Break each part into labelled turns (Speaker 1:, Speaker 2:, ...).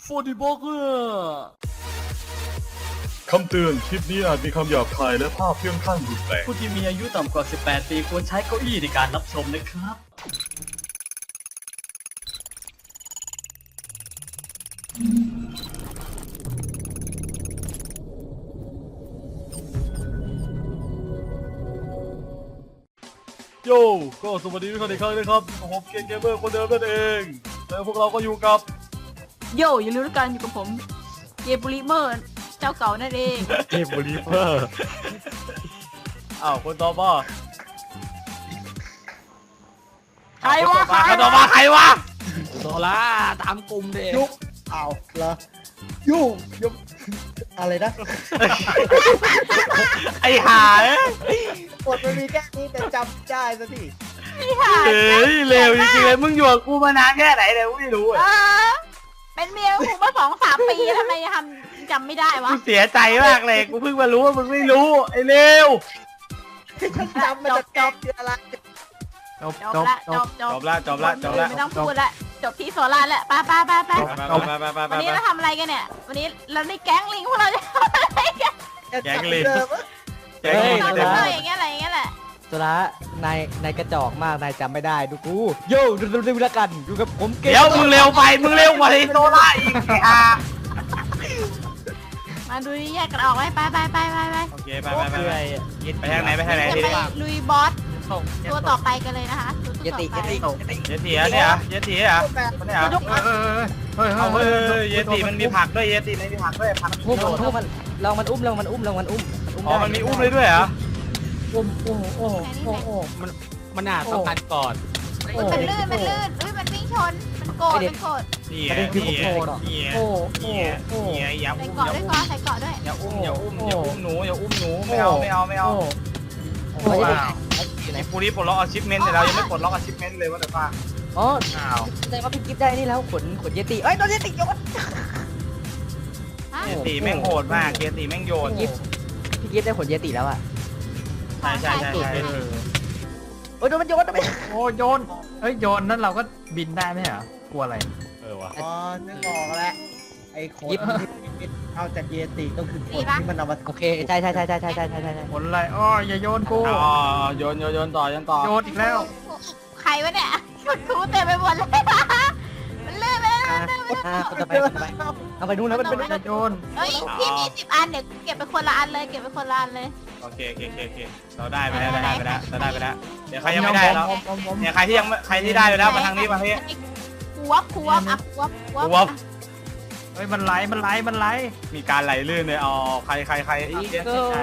Speaker 1: 42
Speaker 2: คำเตือนคลิปนี้อาจมีคำหยาบคายและภาพเพื่องข้างรุนแรง
Speaker 1: ผู้ที่มีอายุต่ำกว่า 18 ปีควรใช้เก้าอี้ในการรับชมนะครับ โย่ก็สวัสดีทุกท่านอีกครั้งนะครับผมเกมเกมเมอร์คนเดิมนั่นเองแล้วพวกเราก็อยู่กับ
Speaker 3: โย่อย่าลืมด้วยกันอยู่กับผมเกมบุริเมอร์เจ้าเก่านั่นเอง
Speaker 4: เกมบริเวอร์
Speaker 1: อ้าวคนต่อมา
Speaker 3: ใครวะ
Speaker 1: คนต่อมาใครวะ
Speaker 4: โซล่าตามกลุ่มเด็ก
Speaker 5: ยุกอ้าวเหรอยุ่งยุกอะไรนะ
Speaker 1: ไอ้ห่า
Speaker 5: กดมันมีแค่นี้แต่จำได้ซะที
Speaker 1: เฮ้ยเร็วจริงๆเลยมึงอยู่กับกูมานานแค่ไหนเลยกูไม่รู้
Speaker 3: เออเป็นเมียกูมา2-3 ปีทำไมจำไม่ได้วะ
Speaker 1: กูเสียใจมากเลยกูเพิ่งมารู้ว่ามึงไม่รู้ไอ้เร็ว
Speaker 5: ฉันจำมันจะจบคืออะไร
Speaker 3: จบละจบ
Speaker 1: จบละจบละจบละ
Speaker 3: ไม่ต้องพูดละจบที่โซล่าแล้วไป
Speaker 1: ไป
Speaker 3: วันนี้เราทำอะไรกันเนี่ยวันนี้เราในแก๊งลิงพวกเราจะทำอะไรกัน
Speaker 1: แกงลิง
Speaker 5: เดิม
Speaker 1: แกงลิง
Speaker 3: เรา
Speaker 1: เต็ม
Speaker 3: ทำอย่างเงี้ยอะไรอย่างเงี้ยแหละ
Speaker 4: โซล่านายกระจอกมากนายจำไม่ได้ดูกูโย่ดูละกันอยู่กับผมเกม
Speaker 1: เดี๋ยวมึงเร็วไปมึงเร็วกว่าไอ้โซล่าอีกไอ้ห่า
Speaker 3: มาดูแยกกันออกไว้ไป
Speaker 1: โอเคไป
Speaker 4: เพื่อ
Speaker 1: ไปทางไหนไปทางไหน
Speaker 3: จะ
Speaker 1: ที
Speaker 3: ไป
Speaker 1: นี้
Speaker 3: ลุยบอสตัวต่อไปกันเลยนะคะตัว
Speaker 4: เย
Speaker 3: ต่อ
Speaker 4: ติ
Speaker 3: ไป
Speaker 1: เยติอะเนี่ยเยติอะเนี่ยเอาเฮ้ยเยติมันมีผักด้วยเยติมันมีผักด้วยผัก
Speaker 4: ทุบมันลองมันอุ้ม
Speaker 1: อ๋อมันมีอุ้มเลยด้วยเหรอ
Speaker 4: มันอาจต้องการก่อน
Speaker 3: มันลื่นมันวิ่งชนมันโกรธ
Speaker 1: นี่อย่า
Speaker 3: ใส่
Speaker 1: อุ้ม
Speaker 3: เกาะด้วยก่อนใส่เกาะด้วย
Speaker 1: อย่าอุ้มหนูไม่เอา
Speaker 4: อยู่ไหน
Speaker 1: กูนี่ปลดล็อกอาชิพเมนต์แต่เรายังไม่ปลดล็อกอาชิพเมนต์เลยว่าแต่ป้า
Speaker 4: อ๋อ
Speaker 1: อ้าว
Speaker 4: แสดงว่าพี่กิฟได้นี่แล้วขนเยติเอ้ยโดนเยติโยน
Speaker 1: เยติแม่งโหดมากเยติแม่งโยน
Speaker 4: พี่กิฟได้ขนเยติแล้วอ่ะ
Speaker 1: ใช่
Speaker 4: โอ้ยโดนมันโยนทำไม
Speaker 6: โอ้โยนเฮ้ยโยนนั่นเราก็บินได้ไหมเหรอกลัวอะไร
Speaker 4: วะ
Speaker 5: อ๋อนึกออกแล้วไอ้โค้ดที่เอาจากเยติก็คือคนที่มันเอามา
Speaker 4: โอเคใช่
Speaker 6: ผลอะไรอ้ออย่าโยนกู
Speaker 1: อ๋อโยนต่อ
Speaker 6: โยนอีกแล้ว
Speaker 3: ใครวะเนี่ยมันคูเต็มไปหมดเลยมันลื่นไปแล้ว
Speaker 4: จะไปเอาไปนู่นแล้วมันเป็น
Speaker 6: อย่าโยน
Speaker 3: เฮ้ยพี่มี10 อันเดี๋ยวเก็บไปคนละอันเลยเก็บไปคนละอันเลย
Speaker 1: โอเคเราได้ไปแล้วเดี๋ยวใครยังไม่ได้แล้วเนี่ยใครที่ได้ไปแล้วมาทางนี้มาทางนี้
Speaker 3: ควบอ่ะควบ
Speaker 6: เฮ้ยมันไหล
Speaker 1: มีการไหลลื่นเลยอ๋อใคร
Speaker 4: อีก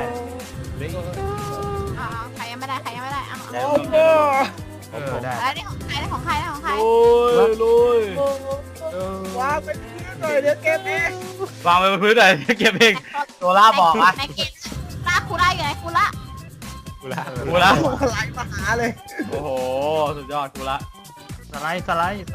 Speaker 3: ใครยังไม่ได้อ่ะ
Speaker 5: โอ้โห
Speaker 6: เออได้
Speaker 3: แล้วนี่ของใครของใคร
Speaker 1: ลุย
Speaker 5: วางเป็นพื้นหน่อยเดี๋ยวเกมนี้
Speaker 1: วางไปบนพื้นเลยเก็บเองโซล่าบอกอ่ะ
Speaker 3: ในเกมคูล่าอยู่ไหนคูล่า
Speaker 1: กูละ
Speaker 5: โอ้โหไหลมาหาเลย
Speaker 1: โอ้โหสุดยอดกูละ
Speaker 6: สไลด์
Speaker 1: ไป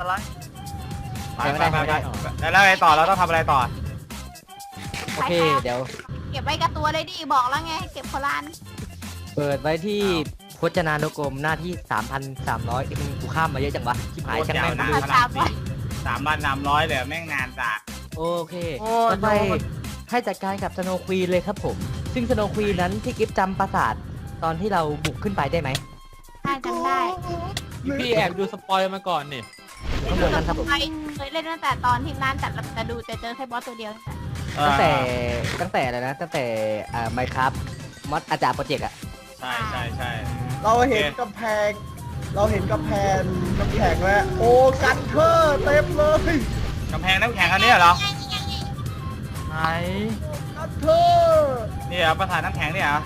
Speaker 1: แล้วไงต่อเราต้องทำอะไรต่อ
Speaker 4: โอเคเดี๋ยว
Speaker 3: เก็บไว้กับตัวเลยดิบอกแล้วไงเก็บคนละอัน
Speaker 4: เปิดไว้ที่พจนานุกรมหน้าที่ 3,300มึงกูข้ามมาเยอะจังวะชิบหายช่างแม่ง
Speaker 1: โคตรยาวนะ 3,300เลยแม่งนานจ้ะ
Speaker 4: โอเคต่อไปให้จัดการกับสโนว์ควีนเลยครับผม ซึ่งสโนว์ควีนนั้นพี่กิฟจำปราสาทตอนที่เราบุกขึ้นไปได้ไหม
Speaker 3: ได้จำได้
Speaker 7: พี่แอบดูสปอยล์มาก่อนนี่
Speaker 4: ข้างบนนั้นครับผม
Speaker 3: เคยเล่นตั้งแต่ตอนที่ร้านแต่ดูแต่เจอแค่บอสตัวเดียว
Speaker 4: ตั้งแต่อะไรนะตั้งแต่ไมค์ครับมอดอาจารย์โปรเจกต์อะ
Speaker 1: ใช่
Speaker 5: เราเห็นกำแพงน้ำแข็งแล้วโอ้กันเทอร์เต็มเลย
Speaker 1: กำแพงน้ำแข็งอันนี้เหรอ
Speaker 6: ไหน
Speaker 5: กันเทอร์
Speaker 1: นี่เหรอประธานน้ำแข็งนี่เหรอ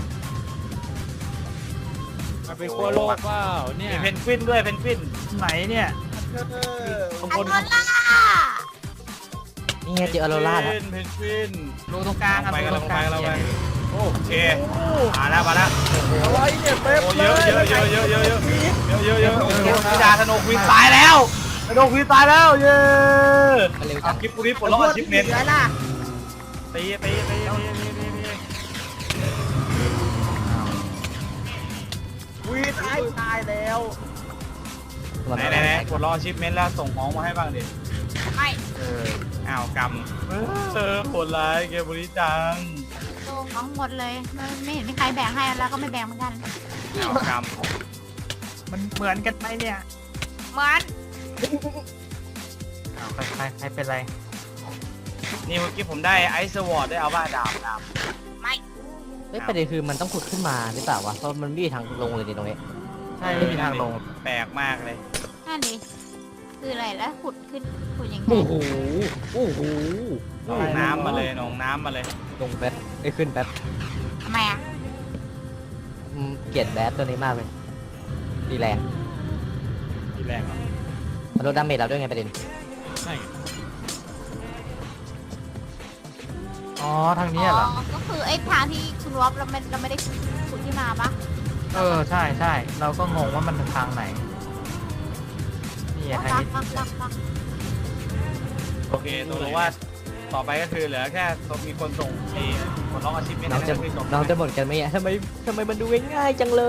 Speaker 7: มันเป็นขั้วโลกเปล่าเนี่ย
Speaker 1: มีเพนกวินด้วยเพนกวิน
Speaker 6: ไหนเนี่ย
Speaker 5: กันเทอร์
Speaker 1: บาง
Speaker 3: อั
Speaker 1: คน
Speaker 3: นล่า
Speaker 4: นี่ไงเจออโรล่าแล้ว
Speaker 1: เพนกวิน
Speaker 6: รูตรงกลาง
Speaker 1: ไปกัน
Speaker 6: รูตรงกลาง
Speaker 1: เราไปโอเคมาแล้ว
Speaker 5: อะไรเนี่ยเต็ม
Speaker 1: โอ้
Speaker 5: เล
Speaker 1: เยอะ
Speaker 5: ย
Speaker 1: พี่ดาธนูควีนตายแล้วธนูควีนตายแล้วเย้
Speaker 4: มันเร็วจัง
Speaker 1: คลิปปุริปลดล็อกอาชิพเมนต์
Speaker 5: เหลือน่ะ
Speaker 1: ตี
Speaker 5: วีตายแล้ว
Speaker 1: ไหนปลดล็อกอาชิพเมนต์แล้วส่งของมาให้บ้างดิ
Speaker 3: ไม่
Speaker 1: อ้าวกรรมโหดร้ายเกมบุรีจัง
Speaker 3: โตของหมดเลยไม่เห็นมีใครแบ่งให้แล้วก็ไม่แบ่งเหมือนกัน
Speaker 1: อ้าวกรรม
Speaker 6: มันเหมือนกันไหมเนี่ย
Speaker 3: เหมือน
Speaker 6: อ้าวใครเป็นไร
Speaker 1: นี่เมื่อกี้ผมได้ไอซ์วอร์ดได้เอาบ้าดาบ
Speaker 4: เฮ้ยประเด็นคือมันต้องขุดขึ้นมาหรือเปล่าวะเพราะมันไม่มีทางลงเลยดิตรงนี้
Speaker 6: ใช่ไม่มีทางลง
Speaker 1: แปลกมากเลย
Speaker 3: นั่นดิคืออะไรแล้วขุดขึ้นขุดยังไง
Speaker 4: โอ้โหโอ้โห
Speaker 1: หนองน้ำมาเลยหนองน้ำมาเลย
Speaker 4: ลงแป๊บไอ้ยขึ้นแป๊บ
Speaker 3: ทำไมอ่ะ
Speaker 4: เกลียดแบดตัวนี้มากเลยดีแรง
Speaker 7: ทีแรกเหรอ
Speaker 4: มันลดดาเมจเราด้วยไงประเด็น
Speaker 7: ใช่
Speaker 6: อ๋อทางนี้เหรอ
Speaker 3: ก็คือไอ้ทางที่คุณวอฟเราไม่ได้ขุดที่มาปะ
Speaker 6: ใช่เราก็งงว่ามันทางไหนนี่ไงทางนี้
Speaker 3: รัก
Speaker 1: โอเคตัวรู้ว่าต่อไปก็คือเหลือแค่มีคนส่งไอ้คนร้องอาชีพไม่ได้
Speaker 4: เราจะหมดกันไหมอะทำไมมันดูง่ายๆจังเลย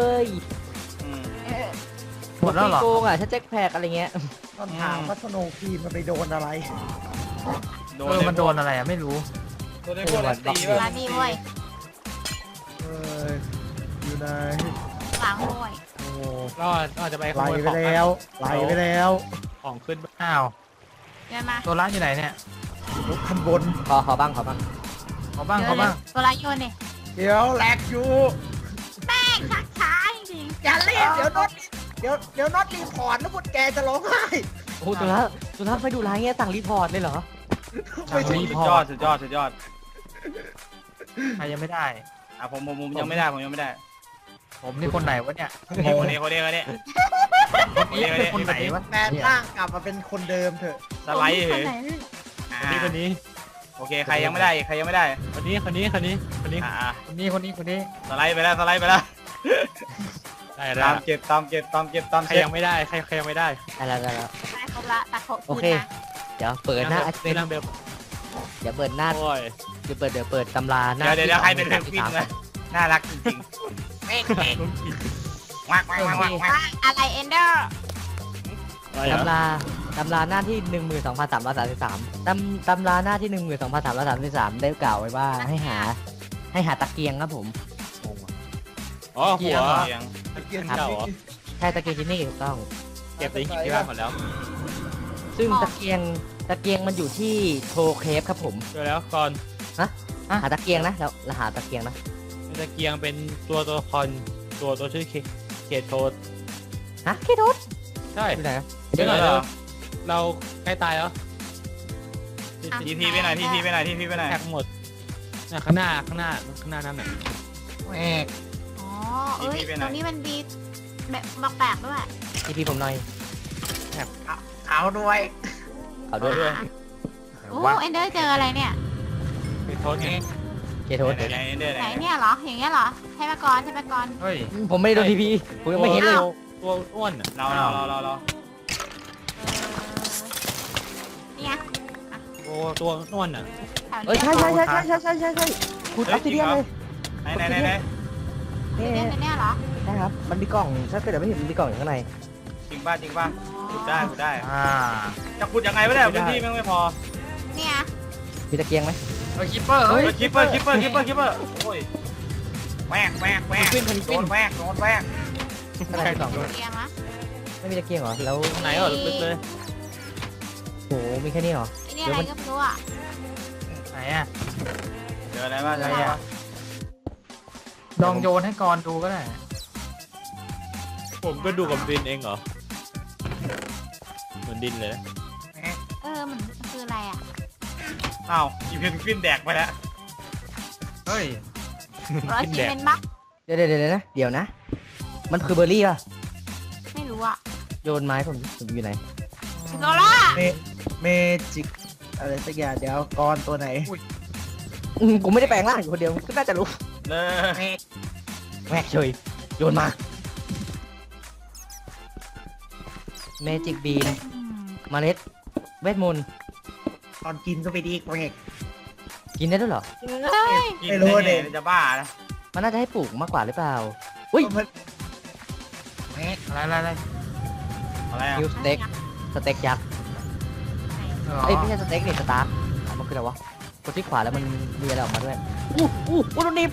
Speaker 6: หมดแล้วเหรอ
Speaker 4: โกงอ่ะถ้าแจ็คแพกอะไรเงี้ย
Speaker 5: ต้องถามว่าสโนว์ควีนมันไปโดนอะไร
Speaker 6: มันโดนอะไรอ่ะไม่รู้
Speaker 1: โดนได้พวกรันตี
Speaker 3: ร้านนี้เว้ย
Speaker 5: เอออยู่ไหน
Speaker 3: หลังเว้ย
Speaker 5: โอ้
Speaker 7: ก็อาจจะไปข
Speaker 5: ไหล
Speaker 7: โมย
Speaker 5: ไป
Speaker 7: ของ
Speaker 5: แล้วไหลไปแล้ว
Speaker 7: ของขึ้น
Speaker 6: อ้าว
Speaker 3: เดินมา
Speaker 6: ตัวร้านอยู่ไหนเนี่ย
Speaker 5: ขั้นบน
Speaker 4: ขอบ้าง
Speaker 6: ขอบ้าง
Speaker 3: ตัวร้านโยนเนี่ย
Speaker 5: เดี๋ยวแหลกอยู่
Speaker 3: แป้งชักช้าจริง
Speaker 5: อย่ารีบเดี๋ยวน็อตเดี๋ยวน็อตรีพอร์ตแล้วพวกแกจะร้องไห้
Speaker 4: โอ้โหตัวละไม่ดูร้ายเงี้ยสั่งรีพอร์ตเลยเหรอ
Speaker 5: ไม่ใช่
Speaker 1: สุดยอดสุดยอด
Speaker 6: ใครยังไม่ได้
Speaker 1: อ่ะผมยังไม่ได้ผมยังไม่ได้
Speaker 6: ผมนี่คนไหนวะเนี่ย
Speaker 1: คนนี้
Speaker 6: คนนี้คนไหนวะ
Speaker 5: แปลงร่างกลับมาเป็นคนเดิมเถอะ
Speaker 1: สไลด์เหรอ
Speaker 7: คนนี้
Speaker 1: โอเคใครยังไม่ได้คนนี้
Speaker 7: คนนี้
Speaker 1: อ่า
Speaker 6: คนนี้
Speaker 1: สไลด์ไปแล้ว
Speaker 7: ได้แล้
Speaker 1: ตาว มเก็บตาม
Speaker 7: ใคร
Speaker 1: เก็บ
Speaker 7: ยังไม่ได้ใครยังไม่ได้
Speaker 4: ได้แล้ว
Speaker 3: ได้ครบละแต่ครบ
Speaker 4: โอเค เดี๋ยวเปิดหน้า
Speaker 7: นั่งเบล
Speaker 4: เดี๋ยวเปิดหน้า
Speaker 7: โอ้ย
Speaker 4: เดี๋ยวเปิดตำราหน้า
Speaker 1: เดี๋ยวใครเป็นเพนกวินนะน่ารักจริงๆวัก
Speaker 3: อะไรเอนเดอร์
Speaker 4: ตำราหน้าที่ 12,333ตำราหน้าที่ 12,333ได้กล่าวไว้ว่าให้หาตะเกียงครับผม
Speaker 7: อ๋อหัว
Speaker 1: เสียง
Speaker 5: ตะเกียง
Speaker 7: เก่าเหรอ
Speaker 4: ใช่ตะเกียงที่นี่ถูกต้อง
Speaker 7: เก็บในหินที่บ้านหมดแล้ว
Speaker 4: ซึ่งตะเกียงมันอยู่ที่โทเคฟครับผม
Speaker 7: เจอแล้วก่อน
Speaker 4: หาตะเกียงนะเราหาตะเกียงนะ
Speaker 7: ตะเกียงเป็นตัวละครตัวชื่อเคโทส
Speaker 4: ฮะเคโทส
Speaker 7: ใช่
Speaker 4: อยู่ไหนนะ
Speaker 7: เดี๋ยวเราใกล้ตายแล้ว
Speaker 1: ทีพีไปไหนทีพีไปไหน
Speaker 7: แท็กหมดข้างหน้านั่นน่ะ
Speaker 5: แหวก
Speaker 3: อ๋อเอ้ยตรงนี้มันดีแบบแปลกๆด้วย
Speaker 4: ทีพีผมหน่อย
Speaker 5: เอาด้วย
Speaker 4: เอาด้วย
Speaker 3: โอ้เอนเดอร์เจออะไรเนี่ย
Speaker 7: เคโทสไง
Speaker 4: เคโทส
Speaker 1: ไหน
Speaker 3: ไหนเนี่ยเหรออย่างเงี้ยเหรอใช่ไหมก่อน
Speaker 6: เฮ้ย
Speaker 4: ผมไม่ได้โดนทีพีผมยังไม่เห็นเลย
Speaker 7: ตัวอ้วนอ่ะ
Speaker 1: เรา
Speaker 3: นี่ไง
Speaker 7: ตัวอ้วนอ่ะ
Speaker 3: แถว
Speaker 4: เอ้ย
Speaker 3: นี้
Speaker 4: ใช่คุณออฟซิเดียนเลย
Speaker 1: ไหน
Speaker 4: นี่
Speaker 3: เนี่ยเหรอ
Speaker 4: ใช่ครับมันมีกล่องถ้าเกิดไม่เห็นมันมีกล่องอยู่ข้างใน
Speaker 1: จริงป่ะขุดได้
Speaker 6: อ่า
Speaker 1: จะขุดยังไงไม่ได้พื้นที่ไม่พอ
Speaker 3: เนี่ย
Speaker 4: มีตะเกียงไหม
Speaker 6: คิปเปอร์เฮ้ย
Speaker 1: คิปเปอร์โอ้ยแวกโดนแวก
Speaker 4: อะไรกล่อง
Speaker 3: เตียงนะ
Speaker 4: ไม่มีตะเกียงเหรอแล้ว
Speaker 7: ไหนเหรอลึกเลย
Speaker 4: โหมีแค่นี้เหรอ
Speaker 3: ไอ้นี่อะไรก็ไม่รู้อ่ะ
Speaker 6: ไหนอ่ะ
Speaker 1: เจออะไรบ้าง
Speaker 6: ลองโยนให้กรดูก็ได้
Speaker 7: ผมก็ดูกับดินเองเหรอเหมือนดินเลย
Speaker 3: มันคืออะไรอ่ะ
Speaker 1: อ้าวอีเพนกวินแดกไปแล้ว
Speaker 6: เฮ้ย
Speaker 3: ร้อยซีเมนต์บัก
Speaker 4: เดี๋ยวนะมันคือเบอร์รี่ป่ะ
Speaker 3: ไม่รู้อ่ะ
Speaker 4: โยนไม้ผมอยู่ไหน
Speaker 3: โซล่า
Speaker 5: เมจิกอะไรสักอย่างเดี๋ยวกรตัวไหน
Speaker 4: กูไม่ได้แปลงร่างอยู่คนเดียวก็น่าจะรู้
Speaker 1: เลย
Speaker 4: แม่เฉยโยนมาเมจิกบีนเมล็ดเวทมนต์
Speaker 5: ตอนกินก็ไปดีแหวก
Speaker 4: กินได้ด้วยเหรอ
Speaker 3: เฮ้ย
Speaker 1: กินได้จะบ้านะ
Speaker 4: มันน่าจะให้ปลูกมากกว่าหรือเปล่าอุ้ย
Speaker 6: อะไร
Speaker 1: อะไรอ่ะ
Speaker 4: คิวสเต็กยักษ์เอ้ยไม่ใช่สเต็กนี่สตาร์มันคืออะไรวะกดที่ขวาแล้วมันมีอะไรออกมาด้วยอู้ตรงนี้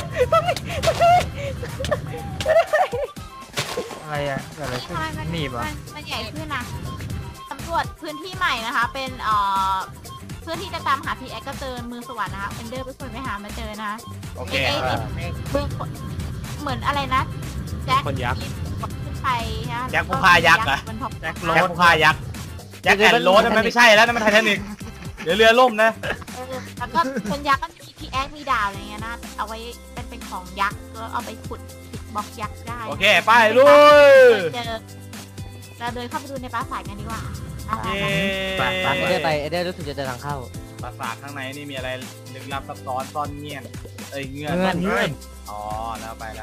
Speaker 6: อะไรอะเกิดอะไรขึ้น
Speaker 3: ทำไมมัน
Speaker 6: หนีบเหรอ
Speaker 3: มันใหญ่ขึ้นนะสำรวจพื้นที่ใหม่นะคะ เป็นเพื่อที่จะตามหาพีแอคก็เจอมือสวรรค์นะคะเอนเดอร์เป็นคนไปหามาเจอนะ
Speaker 1: โอเค
Speaker 3: มือเหมือนอะไรนะแจ็ค
Speaker 7: คนยักษ์
Speaker 3: ขึ้นไปนะ
Speaker 1: แจ็คผู้ฆ่ายักษ์เหรอ
Speaker 3: บนท้อง
Speaker 6: แจ็ค
Speaker 1: แจ็คผู้ฆ่ายักษ์แจ็คแอนด์โรสมันไม่ใช่แล้วนั่นมันไททานิกเดี๋ยวเรือล่มนะ
Speaker 3: แล้วก็เป็นยักษ์ก็มีพีแอคมีดาวอะไรเงี้ยนะเอาไว้เป็นของยักษ์ก็เอาไปขุดปิดบล็อกยักษ์ได้
Speaker 1: โอเคไปลุย
Speaker 3: เจอเราเดินเข้าไปดูในปราสาทกันดีกว่าอ่ะ
Speaker 1: เย้
Speaker 4: เอเดอร์รู้สึกจะเจอทางเข้า
Speaker 1: ปราสาทข้างในนี่มีอะไรลึกลับซับซ้อนซ่อนเงียบเงื่อน
Speaker 4: เงื่อน
Speaker 1: อ๋อแล้วไป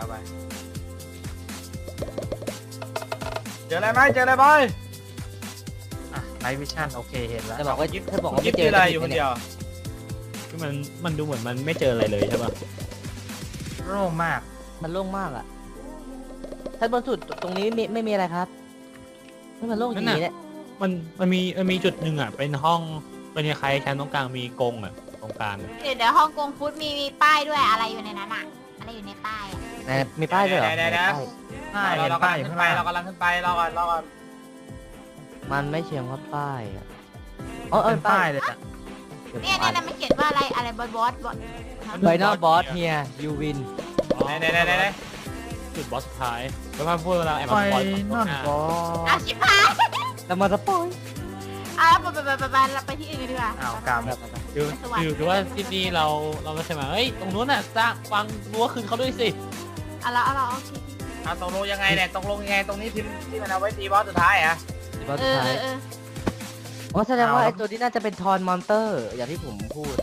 Speaker 1: เจออะไรไหมเจออะไรไหม
Speaker 6: อ่ะไลท์วิชั่นโอเคเห็นแล้ว
Speaker 4: จะบอกว่าถ้าบอกว่า
Speaker 1: ยิ
Speaker 4: ไม่
Speaker 1: บ
Speaker 4: เจ
Speaker 1: ที่
Speaker 4: อ
Speaker 1: อะไรอยู่คนเดียว
Speaker 7: คือมันดูเหมือนมันไม่เจออะไรเลยใช่ป่ะ
Speaker 6: โล่งมาก
Speaker 4: มันโล่งมากอ่ะท่านบนสุดตรงนี้ไม่มีอะไรครับมันโล่งอย่างนี้แหละ
Speaker 7: มันมีจุดหนึ่งอ่ะเป็นห้องเป็นคล้ายๆชั้นตรงกลางมีกรงอ่ะตรงกลางอะ
Speaker 3: เดี๋ยวฮ่องกงฟู้ดมีป้ายด้วยอะไรอยู่ในนั้นอะอะไรอยู่ในป้ายอะ
Speaker 4: มีป้ายด้วยเหรอ
Speaker 1: เรากำลังขึ้นไปเรากำลังขึ้นไปเราก่อน
Speaker 4: มันไม่เชียงว่าป้ายอ่ะ
Speaker 6: เป็นป้ายเลยอะ
Speaker 3: เนี่ยมันเขียนว่าอะไรบอส
Speaker 4: ไฟนอลบอสเฮียยูวิน
Speaker 1: ไหน
Speaker 7: จุดบอสสุดท้ายแล้วพอพูดเวลาแอบ
Speaker 6: ไป
Speaker 7: มาปล่อย
Speaker 6: นั่นก็
Speaker 3: อาชิพาย
Speaker 4: แล้วมาสปอย
Speaker 3: ไปที่อื่นกันดีกว่า
Speaker 6: อ้าวกรรม
Speaker 7: คือว่าที่นี่เราไม่ใช่มาเฮ้ยตรงนู้นน่ะสร้างฟังรั้วคืนเขาด้วยสิ
Speaker 3: เอาละโอเค
Speaker 1: ตกลงยังไงเนี่ยตกลงยังไงตรงนี้ที่มันเอาไว้ตีบอสสุดท้ายอ่ะ
Speaker 4: บอสสุดท้ายอ๋อแสดงว่าไอ้ตัวนี้น่าจะเป็นทอนมอนเตอร์ อย่างที่ผมพูด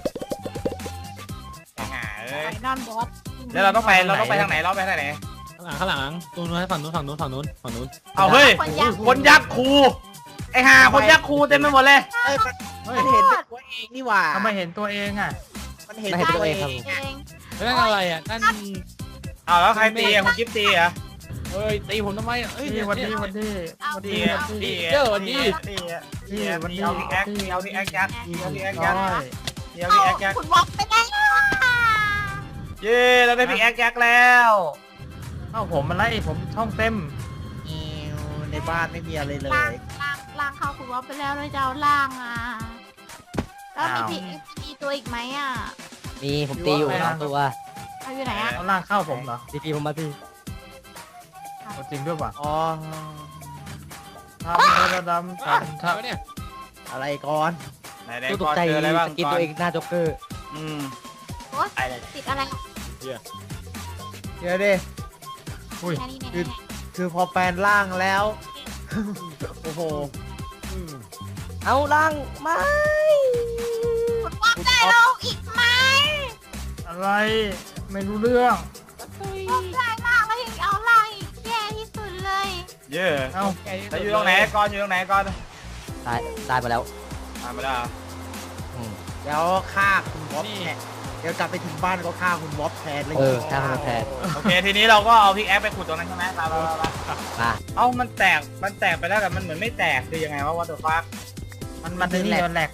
Speaker 3: ไฟนอลบอส
Speaker 1: แล้วเราต้องไปทางไหนเราไปทางไหน
Speaker 7: ข้างหลังตรงนู้นให้ฝั่งนู้น
Speaker 1: เอาเฮ้ยคนยักษ์ครูไอ้ห่าคนยักษ์ครูเต็มไปหมดเลย
Speaker 5: มันเห็นเป็นตัวเองนี่หว่า
Speaker 6: ทำไมเห็นตัวเองอ่ะ
Speaker 5: มันเห็น
Speaker 4: ไม่เห็นตัวเองครับ
Speaker 7: นั่นอะไรอ่ะนั่น
Speaker 1: เอาแล้วใครตีอ่ะคุณกิฟตีอ่ะ
Speaker 7: เฮ้ยตีผมทำไมเฮ้ย
Speaker 6: นี่วันนี้
Speaker 1: ตี
Speaker 7: เจอวันนี้
Speaker 1: ตีเอาพิกแอคเอาพิกแอคยักษ์เอาพิกแอคยักษ์
Speaker 6: ร้อย
Speaker 1: เอาพิกแอคยักษ์
Speaker 3: คุณบอกไปได้
Speaker 1: เย้เราได้พิกแอคยักษ์แล้ว
Speaker 6: เอ้าผมมันไล่ผมช่องเต็ม
Speaker 5: ในบ้านไม่มีอะไรเลย
Speaker 3: ล่างเข้าคุณบอกไปแล้วเลยจะเอาล่างอ่ะแล้วมีตัวอีกไหมอ่ะ
Speaker 4: มีผมตีอยู่2ตัว
Speaker 3: เอาอยู่ไหนอ่ะ
Speaker 6: เอาล่างเข้าผมเหรอ
Speaker 4: ตีผมมาพี่
Speaker 6: เอาจริงด้วยป่ะ
Speaker 5: อ๋อ
Speaker 6: ทำระดำทำครับ
Speaker 7: เนี่ย
Speaker 5: อะไรก่อน
Speaker 1: ไหน
Speaker 4: ตัวต
Speaker 1: ก่
Speaker 4: ก
Speaker 1: อน
Speaker 4: ใจ
Speaker 1: เจออะไรบ้าง
Speaker 4: สกินตัวเองหน้าจ็อกเกอร์
Speaker 3: โอ๊ยติดอะไร
Speaker 5: เดี๋ยวดิ
Speaker 6: อุ้ย
Speaker 3: แค่นี้เนี่ย
Speaker 5: คือพอแปลนร่างแล้ว โอ้โห
Speaker 4: เอาล่างไม่
Speaker 3: คุณบอกได้ลงอีกไหม
Speaker 6: อะไรไม่รู้เรื่อง
Speaker 3: บอกได้ล่างแล้วยังเอาล่างอีกแย่ที่สุดเลย
Speaker 1: เย้
Speaker 6: เอ้า
Speaker 1: แล้วอยู่ตรงไหนก่อนอยู่ตรงไหนก่อน
Speaker 4: ตายไปแล้ว
Speaker 1: มาแล้ว
Speaker 5: เดี๋ยวฆ่าคุณวอฟแทนเดี๋ยวกลับไปถึงบ้านก็ฆ่าคุณวอฟแทนเลย
Speaker 4: ถ้ามันแทน
Speaker 1: โอเคทีนี้เราก็เอาพิกแอคไปขุดตรงนั้นใช่ไหมมา
Speaker 4: มา
Speaker 1: เอ้ามันแตกไปแล้วแต่มันเหมือนไม่แตกคือยังไงวะวัตถุฟัก
Speaker 6: มันนี่มันแหลก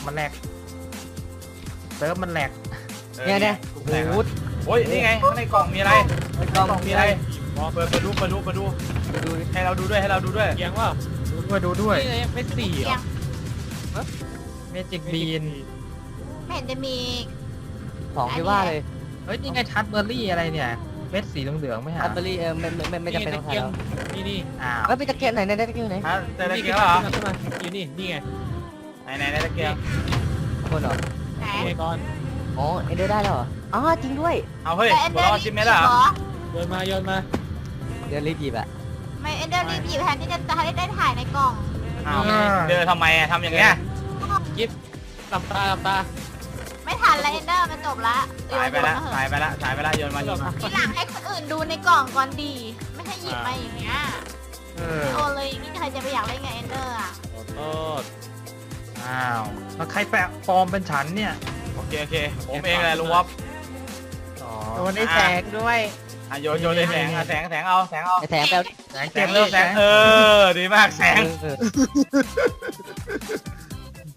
Speaker 6: เซิร์ฟมันแหลก
Speaker 4: เนี่ยหูด
Speaker 1: โอ้ยนี่ไงข้างในกล่องมีอะไร
Speaker 4: กล้อง
Speaker 1: มีอะไรเปิดดูให้เราดูด้วย
Speaker 7: เกียงว่า
Speaker 6: ดูด้วย
Speaker 7: นี่ไม่สี่เหรอ
Speaker 6: เมจิกบีน
Speaker 3: ไม่เห็นจะมี
Speaker 4: ของที่ว่าเลย
Speaker 6: เฮ้ยนี่ไงทัชเบอร์รี่อะไรเนี่ยเม็ดสีเหลืองๆไม่หา
Speaker 4: อัลเบอรี่ไม่จำเป็นต้อง
Speaker 7: เกีย
Speaker 4: ทำ
Speaker 7: งนี่
Speaker 6: อ้าว
Speaker 4: แล้วมีตะเกียงไหนได้ตะเกียงไหน
Speaker 1: ฮะเจอตะเกียงเหรอ
Speaker 7: อยู่นี่ไง
Speaker 1: ไหนตะเกียง
Speaker 4: คนเหรอ
Speaker 3: ไหน
Speaker 7: นี่ก่อน
Speaker 4: อ๋อเอเดอร์ได้แล้วเหรออ๋อจริงด้วย
Speaker 1: เอาเฮ้ยหัวเราะชิมไหมล่ะ
Speaker 7: โยนมา
Speaker 4: เดี๋ยวรีบหยิบอะ
Speaker 3: ไม่เอนเดอร์รีบหยิบแทนที่จะได้ถ่ายในกล่อง
Speaker 1: เอาเจอทำไมอะทำอย่างเงี้ย
Speaker 7: หลับตา
Speaker 3: ไม่ทันแล้วเอนเดอร์มันจบละ
Speaker 1: สายไปละโยนมา
Speaker 3: ทีหลังให้คนอื่นดูในกล่องก่อนดี ไม่ให้หยิบมาอย่างเงี้ย โอเลยอย่างนี้ใครจะไปอยากเล่นไงเอนเดอร์อ่ะ
Speaker 7: โทษ
Speaker 6: อ้าวแล้วใครแปะปลอมเป็นฉันเนี่ย
Speaker 1: โอเคผมเองแหละลุงวอฟ
Speaker 6: อ๋อ
Speaker 5: โดนไอ้แสงด้วย
Speaker 1: โยนเลยแสงเอา
Speaker 4: ไอแถมแปล
Speaker 6: แสง
Speaker 1: แส
Speaker 6: เก็บ
Speaker 1: ง
Speaker 6: ดิ
Speaker 1: ดีมากแสง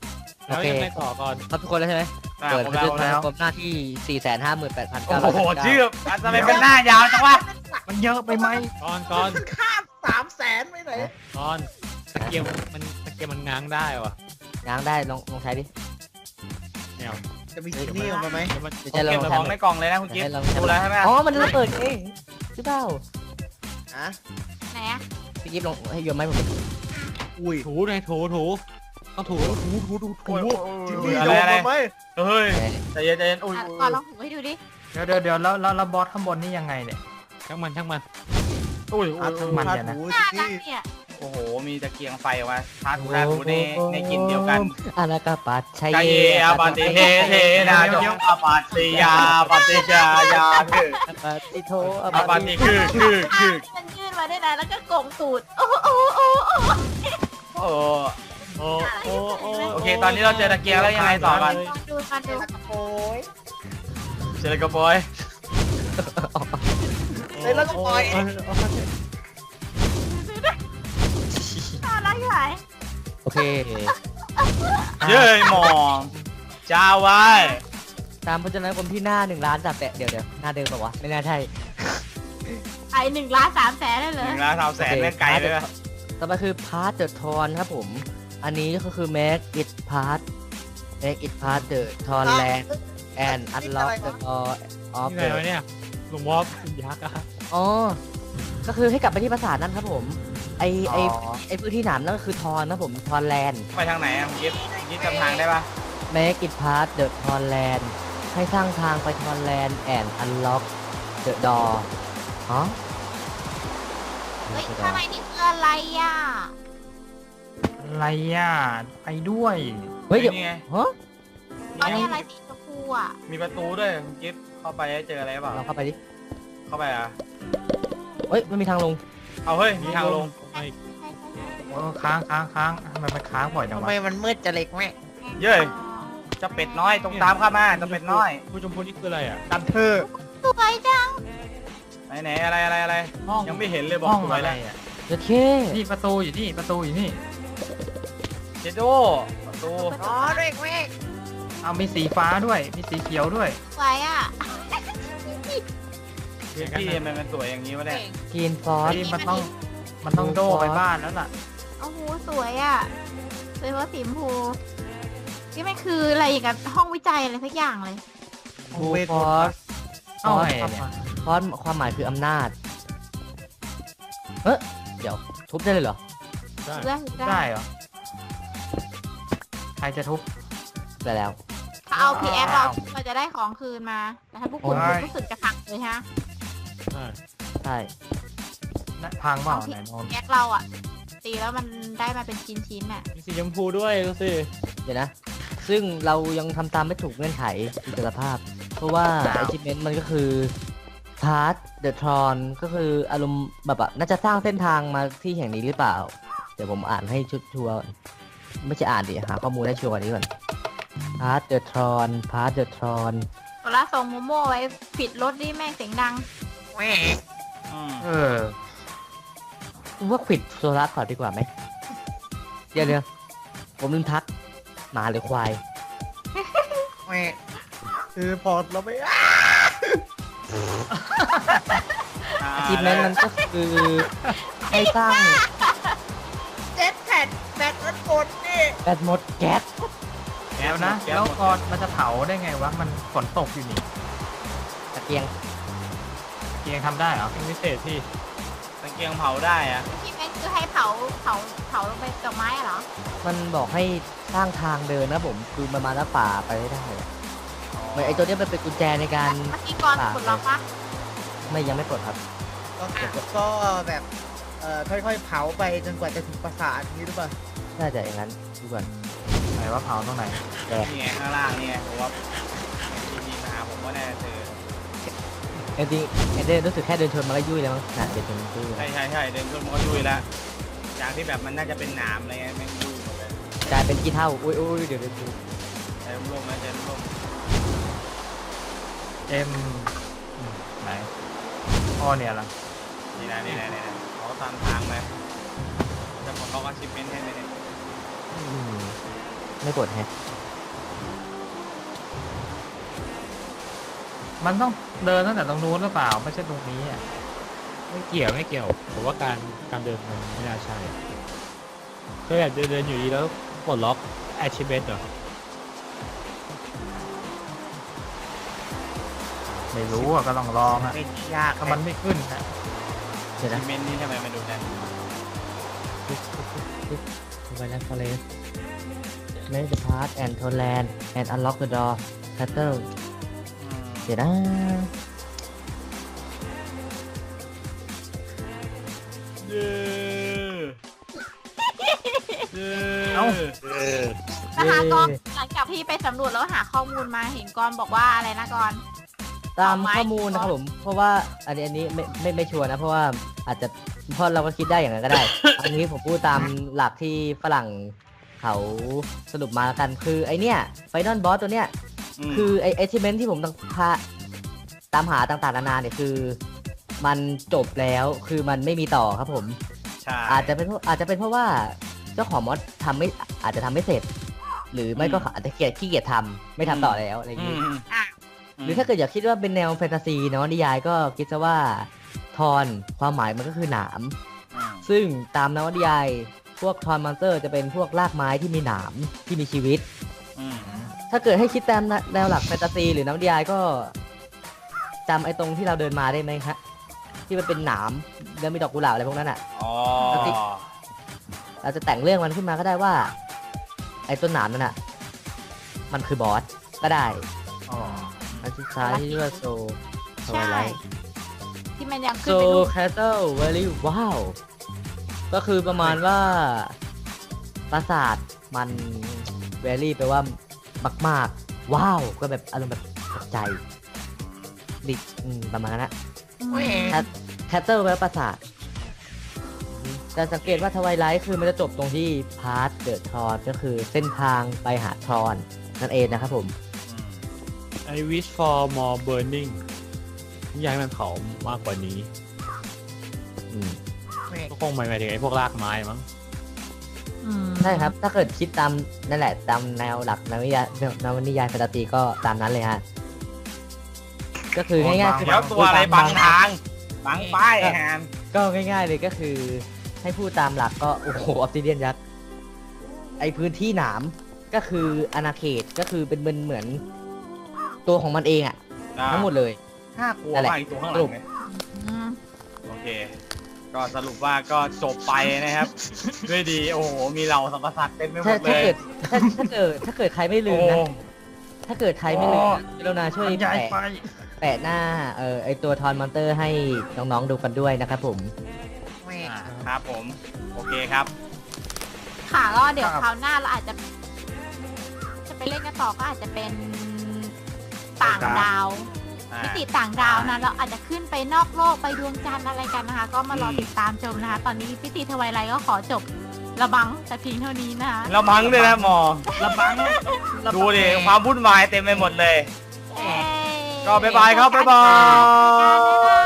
Speaker 7: แล้วยังไงต่อก่อน
Speaker 4: ครับทุกคนแล้วใช่ไหม
Speaker 1: อ่ะ
Speaker 4: เปิด
Speaker 1: ผม
Speaker 4: บันทึก
Speaker 1: แล้ว
Speaker 4: ความหน้าที่ 458,900
Speaker 1: โอ้โหชื่อทำไมเป็นหน้ายาวจังวะ
Speaker 6: มันเยอะไปไหม
Speaker 7: ก่อน
Speaker 5: ค่า300,000ไปไหน
Speaker 7: ก่อนตะเกียบมันง้างได้วะ
Speaker 4: ง้างได้ลองใช้ดิ
Speaker 7: แนว
Speaker 5: จะมีจินนี่ออกมาไหม
Speaker 7: เดี๋ยวมัน
Speaker 4: ไม่ใช่ล
Speaker 1: เก็
Speaker 4: อบ ง
Speaker 1: ของ
Speaker 4: ทำ
Speaker 1: ในกล่องเลยนะคุณกิ๊ฟ
Speaker 4: ให้ลอง
Speaker 1: ดูแล้วใช่ไหม
Speaker 4: อ๋อมันระเบิดเองหรือเปล่า
Speaker 5: อ่ะ
Speaker 3: ไหนอะ
Speaker 4: พี่กิ๊ฟลองให้โยนไม้ผมดิ
Speaker 5: อุ้ย
Speaker 7: ถูไงถูต้องถู
Speaker 1: โอ้ย
Speaker 5: จิน
Speaker 1: โอ้
Speaker 5: นี่
Speaker 1: ย
Speaker 5: โด
Speaker 1: อะไร
Speaker 5: นมาไหม
Speaker 1: เฮ้ยใจเย็นใจเย็นอุ้ย
Speaker 3: อ่ะก่อนลองถูให้ดูดิ
Speaker 6: เดี๋ยวแล้วบอสข้างบนนี่ยังไงเนี่ย
Speaker 7: ช่างมัน
Speaker 1: อุ้ย
Speaker 6: อ่ะทั้งมัน
Speaker 5: พา
Speaker 6: เนี่ยนะ
Speaker 5: ถู
Speaker 3: หน้า
Speaker 5: จิน
Speaker 3: นั่ง
Speaker 5: นี่
Speaker 3: เนี่ย
Speaker 1: โอ้โหมีตะเกียงไฟออกมาทาถูทาถูในกินเดียวกัน
Speaker 4: อานากาปัดชัย
Speaker 1: กายอาปฏิเทเทนาจงอาปฏิยาปฏิจายาคือ
Speaker 4: ปฏิโท
Speaker 1: อาปฏิคือ
Speaker 3: มันยื่นมาได้นะแล้วก็โกงตูดโอ้โอ้โอ้โอ้
Speaker 1: โอ้
Speaker 7: โอ้
Speaker 1: โอเคตอนนี้เราเจอตะเกียงแล้วยังไงต่อกัน
Speaker 3: ลองดูมาดู
Speaker 5: โอ้ย
Speaker 1: เจอกระปอย
Speaker 5: เลยแล้วก็ปล่อย
Speaker 3: น่ารักใหญ่
Speaker 4: โอเค
Speaker 1: เย้ยหมองจ้าไว้
Speaker 4: ตามพจนานุกรมที่หน้า1 ล้าน3แสนเดี๋ยวหน้าเดิมป่าวะไม่น่าใช่
Speaker 3: ไอ้1,300,000ได้เลย
Speaker 1: 1,300,000แม่งไกลเลย
Speaker 4: ต่อไปคือพาร์ทเดอะทอนครับผม อันนี้ก็คือ make it part the Tron land and unlock the door of
Speaker 7: นี่ไง
Speaker 4: the
Speaker 7: วะเนี่ยหลวงวอฟยักษ์อะ
Speaker 4: อ๋อ ก็คือให้กลับไปที่ปราสาทนั่นครับผม ไอพื้นที่หนามนั่นก็คือทอนนะผมทอนแลนด์
Speaker 1: ไปทางไหนอ่ะคุณกิ๊ฟจำทางได้ปะ
Speaker 4: make it part the Tron land ให้สร้างทางไปทอนแลนด์ and unlock the door อ๋อ
Speaker 3: เฮ้ยข้างในนี่คืออะไรอ่ะ
Speaker 6: อะไรอ่ะไปด้วย
Speaker 4: เฮ้ยเดี๋ยว
Speaker 1: นี่ไง
Speaker 4: ฮะ
Speaker 3: ตอนนี้อะไรสีชมพูอ่ะ
Speaker 1: มีประตูด้วยคุณกิ๊ฟเข้าไปเจออะไรเปล่า
Speaker 4: เราเข้าไปดิ
Speaker 1: เข้าไปอ่ะ
Speaker 4: เฮ้ยมันมีทางลง
Speaker 1: เอาเฮ้ยมีทางลง
Speaker 6: โอ้ค้างทำไมมันค้างบ่อยจัง
Speaker 5: ทำ
Speaker 6: วะ
Speaker 5: ไมมันมืดจะเล็กแม่
Speaker 1: เย้ยเจะเป็ดน้อยตรงตามเข้ามาเจะเป็ดน้อย
Speaker 7: ผู้ชมพูนี่คืออะไรอ่ะ
Speaker 5: กันเธอ
Speaker 3: สวยจัง
Speaker 1: ไหนอะไร
Speaker 6: ห้อง
Speaker 1: ยังไม่เห็นเลยบอก
Speaker 6: ห้อง
Speaker 1: สวย
Speaker 6: อะไร
Speaker 1: แล้ว
Speaker 6: อ่ะ
Speaker 4: โอเค
Speaker 6: นี่ประตูอยู่นี่ประตูอยู่นี่
Speaker 1: เจโดประตู
Speaker 5: อ๋อเล็กแม่
Speaker 6: เอามีสีฟ้าด้วยมีสีเขียวด้วย
Speaker 3: สวยอ่ะ
Speaker 1: พี่ทำไมมันสวยอย่างนี้วะเนี่ย
Speaker 4: กรีนฟอส
Speaker 6: เฮ้ยมันต้องโดไปบ้านแล้วล่ะ
Speaker 3: โอ้โหสวยอ่ะสวยเพราะสีชมพูนี่มันคืออะไรอย่างกับห้องวิจัยอะไรสักอย่างเลย
Speaker 4: บูฟอส
Speaker 6: เอาไงเนี่ย
Speaker 4: ฟอสความหมายคืออำนาจ เฮ้ยเดี๋ยว ทุบได้เลยเหรอ
Speaker 7: ได้
Speaker 3: เรื่อง
Speaker 6: ได้เหรอใครจะทุบ
Speaker 4: ได้แล้ว
Speaker 3: ถ้าเอา PX เราจะได้ของคืนมา แต่ถ้าพวกคุณ
Speaker 6: โอ้ย
Speaker 3: รู้สึกจะพังเลยฮะ
Speaker 4: ใช่
Speaker 6: พังเปล่าไหนมอง
Speaker 3: PX เราอ่ะ ตีแล้วมันได้มาเป็นชิ้นๆอ่ะ
Speaker 7: มีสีชมพูด้วยดูสิ
Speaker 4: เดี๋ยวนะ ซึ่งเรายังทำตามไม่ถูกเงื่อนไขอิสรภาพ เพราะว่า achievement มันก็คือ Part the Tron ก็คืออารมณ์แบบน่าจะสร้างเส้นทางมาที่แห่งนี้หรือเปล่า เดี๋ยวผมอ่านให้ชุดชัวร์ไม่ใช่อ่านดิ หาข้อมูลให้ชัวร์กว่านี้ก่อน Part the Tron
Speaker 3: โซล่าส่งโมโม่ไว้ปิดรถนี่แม่งเสียงดัง
Speaker 5: แม่
Speaker 6: เออ
Speaker 4: ว่าขวิดโซล่าก่อนดีกว่าไหม เดี๋ยวผมลืมทักหมาหรือควาย
Speaker 5: แม่คือพอเราไม่
Speaker 4: achievement มันก็คือให้สร้าง
Speaker 5: เจ็ดแผ่นแบตมันหมดนี่
Speaker 4: แบตหมดแก๊ส
Speaker 6: เดี๋ยวนะแล้วก่อนมันจะเผาได้ไงวะมันฝนตกอยู่นี่
Speaker 4: ตะเกียง
Speaker 6: เกียงทำได้เหรอ
Speaker 7: เป็นพิเศษที่
Speaker 1: ตะเกียงเผาได้อะ
Speaker 3: ที่แม่งคือให้เผาลงไปกับไม้อะเหรอ
Speaker 4: มันบอกให้สร้างทางเดินนะผมคือมันมาหน้าป่าไปไม่ได้อะเหมือนไอ้ตัวเนี้ยมันเป็นกุญแจในการ
Speaker 3: เมื่อกี้ก่อนปลดล็อกปะ
Speaker 4: ไม่ยังไม่ปลดครับ
Speaker 5: ก็แบบค่อยๆเผาไปจนกว่าจะถึงปราสาทนี้หรือเปล่า
Speaker 4: น่าจะอย่างนั้นดูก่อน
Speaker 6: ไหนว่าเผาตรงไหน
Speaker 1: นี่ไงข้างล่างนี่ไงผมว่ามีมาหาผมว่าแน่เจอ
Speaker 4: จริงๆเดินรู้สึกแค่เดินชนมันก็ยุ่ยแล้วมั้งน่ะเดินชนมันยุ่ย
Speaker 1: ใช่เดินขึ้นมันก็ยุ่ยแล้วจากที่แบบมันน่าจะเป็นหนามอะไรเงี้ยแม่งยุ่ยหมดเลย
Speaker 4: กลายเป็นขี้เท่าอุ้ยเดี๋ยว
Speaker 1: ใจร่มๆนะใจร่ม
Speaker 6: เอ็มไหนอ๋อเนี่ยเหรอ
Speaker 1: ๆนี่นะเขาตามทางเลยจะของเขาก็ชิปเมนต์ให้เลยเนี่ย
Speaker 4: ไม่ปลดแฮะ
Speaker 6: มันต้องเดินตั้งแต่ตรงนู้นหรือเปล่าไม่ใช่ตรงนี้อ่ะ
Speaker 7: ไม่เกี่ยวผมว่าการเดินมันไม่น่าใช่ก็แบบเดินอยู่ดีแล้วปลดล็อก achievement เหรอ
Speaker 6: ไม่รู้อ่ะก็ต้องลองอ่ะ
Speaker 1: ไม่ยาก
Speaker 6: ถ้ามันไม่ขึ้นนะ
Speaker 4: เดี๋ยวนะ
Speaker 1: เมนนี่ทำไมมาดูแน่น
Speaker 4: ไปแล้ว forest make the path and to land and unlock the door battle เดี๋ยวนะ
Speaker 1: เย้เย้
Speaker 6: เอ้า
Speaker 3: นะคะก็หลังจากที่ไปสำรวจแล้วหาข้อมูลมาเห็นกรบอกว่าอะไรนะกร
Speaker 4: ตามข้อมูลนะครับผม เพราะว่าอันนี้ไม่ชัวร์นะ เพราะว่าอาจจะเพราะเราก็คิดได้อย่างนั้นก็ได้ อันนี้ผมพูดตามหลักที่ฝรั่งเขาสรุปมากันคือไอเนี้ยไฟนอลบอสตัวเนี้ย คือไอachievement ที่ผมต้องตามหาต่างๆนานาเนี่ยคือ มันจบแล้วคือมันไม่มีต่อครับผม
Speaker 1: ใช่
Speaker 4: อาจจะเป็นเพราะว่าเจ้าของมอดอาจจะทำไม่เสร็จ หรือไม่ก็อาจจะขี้เกียจทำไม่ทำต่อแล้วอะไรอย่าง
Speaker 1: อื
Speaker 4: นี้
Speaker 1: ม
Speaker 3: อ่ะ
Speaker 4: หรือถ้าเกิดอยากคิดว่าเป็นแนวแฟนตาซีเนาะนิยายก็คิดซะว่าทอนความหมายมันก็คือหนาม ซึ่งตามนวนิยายพวกทอนมอนสเตอร์จะเป็นพวกรากไม้ที่มีหนามที่มีชีวิต
Speaker 1: อืม
Speaker 4: ถ้าเกิดให้คิดตามแนวหลักแฟนตาซีหรือนวนิยายก็จำไอ้ตรงที่เราเดินมาได้ไหมฮะที่มันเป็นหนามแล้วมีดอกกุหลาบอะไรพวกนั้นอ่ะ
Speaker 1: อ๋อ
Speaker 4: เราจะแต่งเรื่องมันขึ้นมาก็ได้ว่า ไอ้ต้นหนามนั่นอ่ะมันคือบอสก็ได้
Speaker 6: อ๋อ
Speaker 4: อันที่ท้ายที่เรียกว่าโซ
Speaker 3: ใช่ที่มันยังขึ้
Speaker 4: โซ
Speaker 3: นไปรูป
Speaker 4: แคสเซิลเวลี่ว้าวก็คือประมาณว่าปราสาทมันเวลี่แปลว่ามากๆว้าวก็แบบอารมณ์แบบตกใจดิประมาณนั้นนะ แคสเซิลแปลว่าปราสาทแต่สังเกตว่าทวายไลท์คือมันจะจบตรงที่พาร์ทเดอะทรอนก็คือเส้นทางไปหาทรอนนั่นเองนะครับผม
Speaker 7: I wish for more burning อยากให้มันเผามากกว่านี้
Speaker 4: อืม
Speaker 7: ก็คงหมายถึงไอ้พวกรากไม้มั้ง
Speaker 4: ใช่ครับ ถ้าเกิดคิดตามนั่นแหละตามแนวหลักนวนิยายแฟนตาซีก็ตามนั้นเลยฮะ ก็คือง่ายๆคือ
Speaker 1: เดี๋ยวตัวอะไรบังทางบังป้ายไอ้แฮม
Speaker 4: ก็ง่ายๆเลยก็คือ ให้พูดตามหลักก็โอ้โหออฟซิเดียนยักษ์ไอพื้นที่หนามก็คืออาณาเขตก็คือเป็นเหมือนตัวของมันเองอะทั้งหมดเลย
Speaker 1: น่ากลัว
Speaker 4: นั่นแหละ
Speaker 1: มากอีกตัวข้างหลังเนี่ย โอเค ก็สรุปว่าก็จบไปนะครับ ด้วยดี โอ้โห มีเราสัมปสัตว์เต็มไปหม
Speaker 4: ถ้า
Speaker 1: ดเลย
Speaker 4: ถ้าเกิดใครไม่ลืมนะ
Speaker 1: โอ้
Speaker 4: ถ้าเกิดใครไม่ลืมนะกรุณาช่วย
Speaker 6: มันใหญ่ไป
Speaker 4: แปะหน้าไอตัวทอนมอนเตอร์ให้น้องๆดูกันด้วยนะครับผม
Speaker 1: ครับผม โอเคครับ
Speaker 3: ค่ะก็เดี๋ยวคราวหน้าเราอาจจะไปเล่นกันต่อก็อาจจะเป็นต่างดาว มิติต่างดาวนะเราอาจจะขึ้นไปนอกโลกไปดวงจันทร์อะไรกันนะคะ ก็มารอติดตามชมนะคะ ตอนนี้พิธีทวายไลท์ก็ขอจบระบังแต่เพียงเท่านี้นะคะ
Speaker 1: เราบังด้วยนะหมอ
Speaker 6: ระบัง
Speaker 1: ดูดิ ความวุ่นวายเต็มไปหมดเลย
Speaker 3: เอ้ย
Speaker 1: ก็บ๊ายบายครับบ๊ายบาย
Speaker 3: บ๊ายบาย